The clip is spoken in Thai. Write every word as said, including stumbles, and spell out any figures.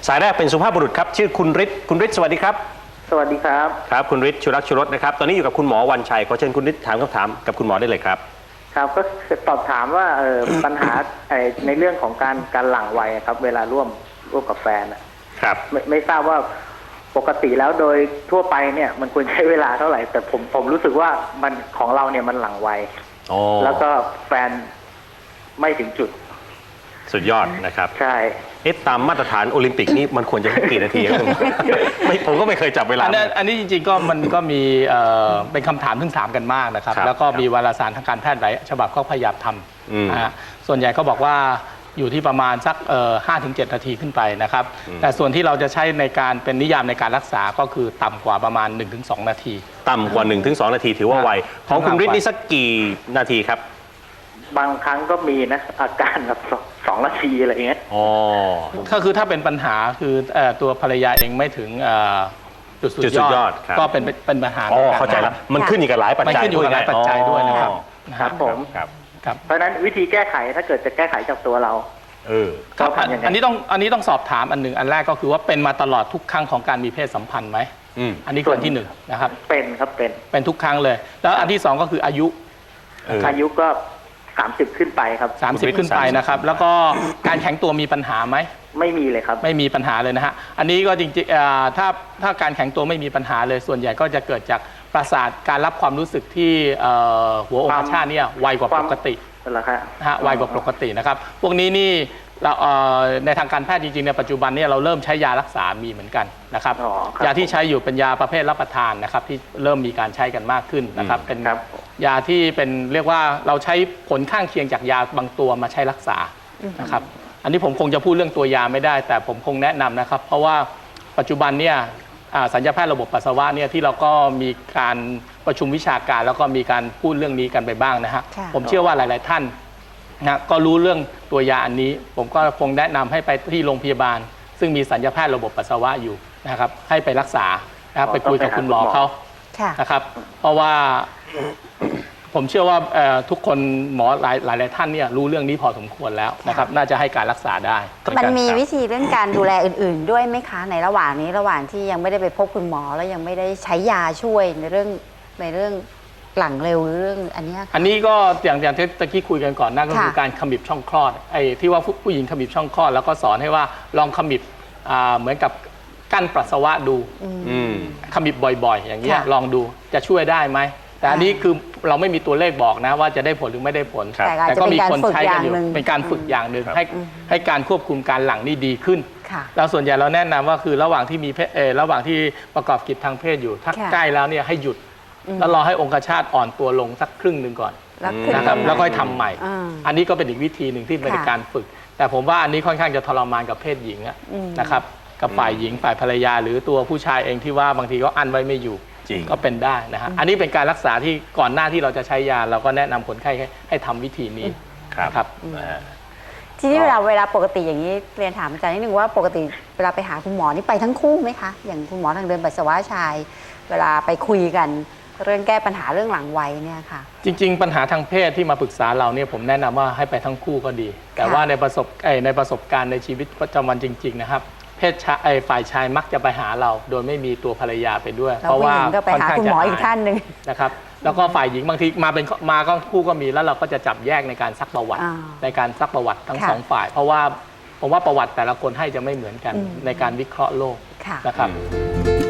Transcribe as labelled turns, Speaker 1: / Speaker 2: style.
Speaker 1: สายแรกเป็นสุภาพบุรุษครับชื่อคุณฤทธิ์คุณฤทธิ์สวัสดีครับ
Speaker 2: สวัสดีครับ
Speaker 1: ครับคุณฤทธิ์ชุรักชุรสนะครับตอนนี้อยู่กับคุณหมอวันชัยขอเชิญคุณฤทธิ์ถามคำถามกับคุณหมอได้เลยครับ
Speaker 2: ครับก็สอบถามว่าเออ ปัญหาในเรื่องของการการหลั่งไวครับเวลาร่วมร่วมกับแฟน
Speaker 1: ครับ
Speaker 2: ไม่ไม่ทราบว่าปกติแล้วโดยทั่วไปเนี่ยมันควรใช้เวลาเท่าไหร่แต่ผมผมรู้สึกว่ามันของเราเนี่ยมันหลั่งไวแล้วก็แฟนไม่ถึงจุด
Speaker 1: สุดยอดนะครับ
Speaker 2: ใช่
Speaker 1: เอ๊ะตามมาตรฐานโอลิมปิกนี่มันควรจะกี่นาทีครับผมไม่ผมก็ไม่เคยจับเวลา
Speaker 3: อันนี้จริงๆก็มันก็มีเป็นคำถามที่ถามกันมากนะครับแล้วก็มีวารสารทางการแพทย์หลายฉบับเขาพยายามทำนะฮะส่วนใหญ่ก็บอกว่าอยู่ที่ประมาณสักห้าถึงเจ็ดนาทีขึ้นไปนะครับแต่ส่วนที่เราจะใช้ในการเป็นนิยามในการรักษาก็คือต่ำกว่าประมาณ หนึ่งถึงสอง นาที
Speaker 1: ต่ำกว่า หนึ่งถึงสอง นาทีถือว่าไวของคุณฤทธิ์นี่สักกี่นาทีครับ
Speaker 2: บางครั้งก็มีนะอาการแบบสองนาทีอะไรเงี้ย
Speaker 1: อ๋อ
Speaker 3: ก็คือถ้าเป็นปัญหาคือตัวภรรยาเองไม่ถึงจุดสุดยอดก็เป็นเป็นปัญหา
Speaker 1: อ๋อเข้าใจแล้วมันขึ้นอยู่กับหลายปัจจัย
Speaker 3: ด้วยหลายปัจจัยด้วยนะครับ
Speaker 2: ครับผมครับเพราะฉะนั้นวิธีแก้ไขถ้าเกิดจะแก้ไขจากตัวเรา
Speaker 1: เออ
Speaker 3: ครับอันนี้ต้องอันนี้ต้องสอบถามอันหนึ่งอันแรกก็คือว่าเป็นมาตลอดทุกครั้งของการมีเพศสัมพันธ์ไหมอันนี้คืออันที่หนึ่งนะครับ
Speaker 2: เป็นครับเป็น
Speaker 3: เป็นทุกครั้งเลยแล้วอันที่สองก็คืออายุ
Speaker 2: อายุก็สามสิบขึ้นไปครับ
Speaker 3: สามสิบขึ้นไปนะครับแล้วก็การแข็งตัวมีปัญหาไหม
Speaker 2: ไม่มีเลยครับ
Speaker 3: ไม่มีปัญหาเลยนะฮะอันนี้ก็จริงๆถ้าถ้าการแข็งตัวไม่มีปัญหาเลยส่วนใหญ่ก็จะเกิดจากประสาทการรับความรู้สึกที่หัวองคชาตเนี่ยไวกว่าปกตินะฮะไวกว่าปกตินะครับพวกนี้นี่เราในทางการแพทย์จริงๆในปัจจุบันเนี่ยเราเริ่มใช้ยารักษามีเหมือนกันนะครับยาที่ใช้อยู่เป็นยาประเภทรับประทานนะครับที่เริ่มมีการใช้กันมากขึ้นนะครับเป็นยาที่เป็นเรียกว่าเราใช้ผลข้างเคียงจากยาบางตัวมาใช้รักษานะครับอันนี้ผมคงจะพูดเรื่องตัวยาไม่ได้แต่ผมคงแนะนำนะครับเพราะว่าปัจจุบันเนี่ยสัญญาแพทย์ระบบปัสสาวะเนี่ยที่เราก็มีการประชุมวิชาการแล้วก็มีการพูดเรื่องนี้กันไปบ้างนะฮะผมเชื่อว่าหลายๆท่านนะก็รู้เรื่องตัวยาอันนี้ผมก็คงแนะนำให้ไปที่โรงพยาบาลซึ่งมีสัญญาแพทย์ระบบปัสสาวะอยู่นะครับให้ไปรักษานะครับไปคุยกับคุณหมอเขานะครับเพราะว่าผมเชื่อว่าทุกคนหมอหลายหลายท่านเนี่ยรู้เรื่องนี้พอสมควรแล้วนะครับน่าจะให้การรักษาได้
Speaker 4: มันมีวิธีเรื่องการดูแลอื่นๆด้วยไหมคะในระหว่างนี้ระหว่างที่ยังไม่ได้ไปพบคุณหมอแล้วยังไม่ได้ใช้ยาช่วยในเรื่องในเรื่องหลังเร็วเรื่องอันนี้
Speaker 3: อันนี้ก็อย่างอย่างที่ตะกี้คุยกันก่อนนั่นก็คือการขมิบช่องคลอดไอ้ที่ว่าผู้หญิงขมิบช่องคลอดแล้วก็สอนให้ว่าลองขมิบเหมือนกับกั้นปัสสาวะดูขมิบบ่อยๆอย่างนี้ลองดูจะช่วยได้ไหมแต่อันนี้คือเราไม่มีตัวเลขบอกนะว่าจะได้ผลหรือไม่ได้ผลแต่ก็มีคนใช้กันอยู่เป็นการฝึกอย่างหนึ่งให้ให้การควบคุมการหลั่งนี่ดีขึ้นแล้วส่วนใหญ่เราแนะนำว่าคือระหว่างที่มีระหว่างที่ประกอบกิจทางเพศอยู่ถ้าใกล้แล้วเนี่ยให้หยุดแล้วรอให้องคชาตอ่อนตัวลงสักครึ่งหนึ่งก่อนนะครับแล้วก็ทำใหม่อันนี้ก็เป็นอีกวิธีหนึ่งที่เป็นการฝึกแต่ผมว่าอันนี้ค่อนข้างจะทรมานกับเพศหญิงนะครับกับฝ่ายหญิงฝ่ายภรรยาหรือตัวผู้ชายเองที่ว่าบางทีก็อั้นไว้ไม่อยู่ก็เป็นได้นะฮะอันนี้เป็นการรักษาที่ก่อนหน้าที่เราจะใช้ยาเราก็แนะนำคนไข้ให้ทำวิธีนี้ครับ
Speaker 4: ทีนี้เวลาเวลาปกติอย่างนี้เรียนถามอาจารย์นิดนึงว่าปกติเวลาไปหาคุณหมอนี่ไปทั้งคู่ไหมคะอย่างคุณหมอทางเดินปัสสาวะชายเวลาไปคุยกันเรื่องแก้ปัญหาเรื่องหลังไวเนี่ยค่ะ
Speaker 3: จริงๆปัญหาทางเพศที่มาปรึกษาเราเนี่ยผมแนะนำว่าให้ไปทั้งคู่ก็ดีแต่ว่าในประสบในประสบการณ์ในชีวิตประจำวันจริงๆนะครับเพศชายฝ่ายชายมักจะไปหาเราโดยไม่มีตัวภรรยาไปด้วย
Speaker 4: เพราะว่าค่อนข้างจะหมออีกท่านหนึ่ง
Speaker 3: นะครับแล้วก็ฝ่ายหญิงบางทีมาเป็นมาก็คู่ก็มีแล้วเราก็จะจับแยกในการซักประวัติในการซักประวัติทั้งสองฝ่ายเพราะว่าผมว่าประวัติแต่ละคนให้จะไม่เหมือนกันในการวิเคราะห์โรคนะครับ